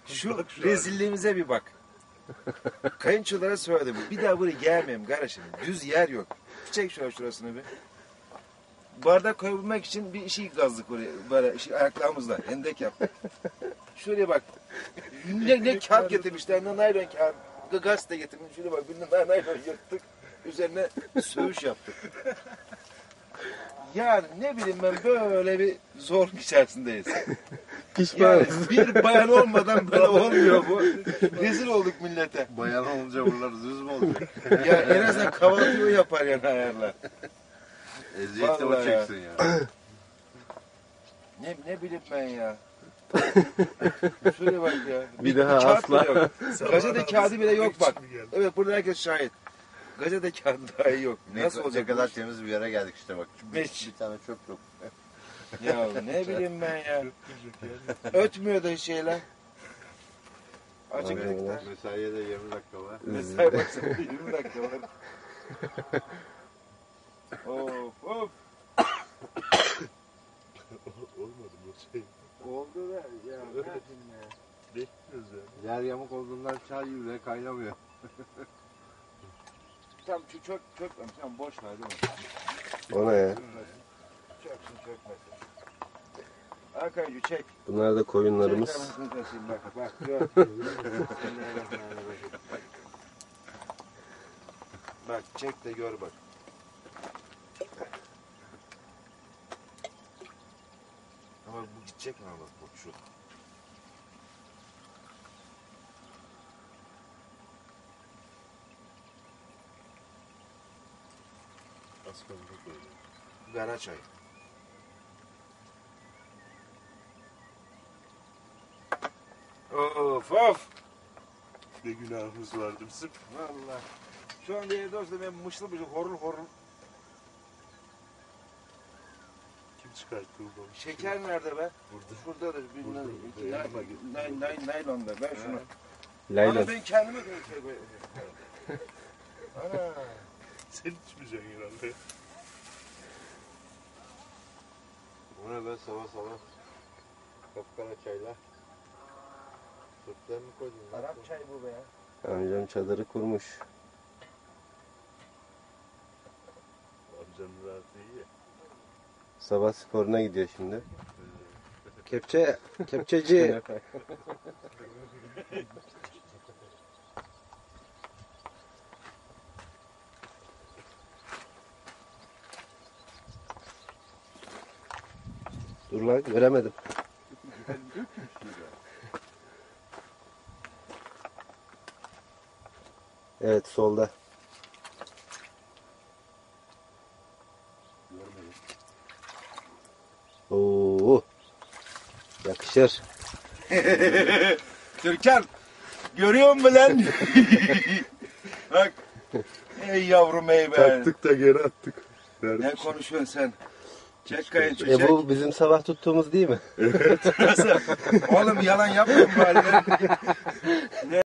Şu rezilliğimize bir bak. Kayınçolara söyledim. Bir daha buraya gelmeyeyim kardeşim. Düz yer yok. Çek şurasını bir. Bardak koyabilmek için bir şey kazdık oraya. Böyle ayaklarımızla. Hendek yaptık. Şuraya bak. Ne kağıt getirmişler. Ne naylon kağıt. Gazete getirmiş. Şuraya bak. Bir naylon yırttık. Üzerine söğüş yaptık. Yani ne bileyim ben böyle bir zorluk içerisindeyiz. Yani bir bayan olmadan böyle olmuyor bu. Rezil olduk millete. Bayan olunca buralar düz mü olacak? Ya en azından kahvaltıyı o yapar yani ayarlar. Eziyeti o Vallahi çeksin ya. Ne bileyim ben ya. Şuraya bak ya. Bir daha kağıt asla. bile yok. Gazete kağıdı bile yok bak. Evet burada herkes şahit. Gazete kağıdı dahi yok. Nasıl olacak? Ne kadar temiz bir yere geldik işte bak. Hiç. Bir tane çöp yok. Ya ne bileyim ben ya. Ötmüyor da şeyler. Acıklıkta. Mesaiye de 20 dakika var. Mesai baksana 20 dakika var. Of of. Olmadı bu şey. Oldu da ya. Ne yapayım ya. Bekliyoruz ya. Yer yamuk olduğundan çay bile kaynamıyor. Tamam çök tamam boş ver değil mi? O ne ya? Çöksün çökmesin. Arkayıcı çek. Bunlar da koyunlarımız. Çek anasını satayım bak gör. Bak çek de gör bak. Ama bu gidecek mi bak şu. Az kaldı böyle. Gara çay. Of of. Ne günahımız vardı bizim. Vallahi. Şu anda evde olsa ben mışlı horul Kim çıkarttı bu balığı? Şeker nerede be? Burada. Şuradadır. Naylonda. Ben şunu. Laylon. Ama ben kendime göre şey koyayım. Ana. Sen içmeyeceksin herhalde. Bu ne be sabah. Kapkara çaylar. Sütler mi koydun? Arap çay bu be ya. Amcam çadırı kurmuş. Amcanın rahatı iyi ya. Sabah sporuna gidiyor şimdi. Kepçeci. Dur lan göremedim. Evet solda. Oo. Yakışır. Türkan. Görüyor musun lan? Bak. Ey yavrum ey be. Taktık da geri attık. Ne konuşuyorsun sen? Çek kayınço çek. Bu bizim sabah tuttuğumuz değil mi? Nasıl? Oğlum yalan yapma bari.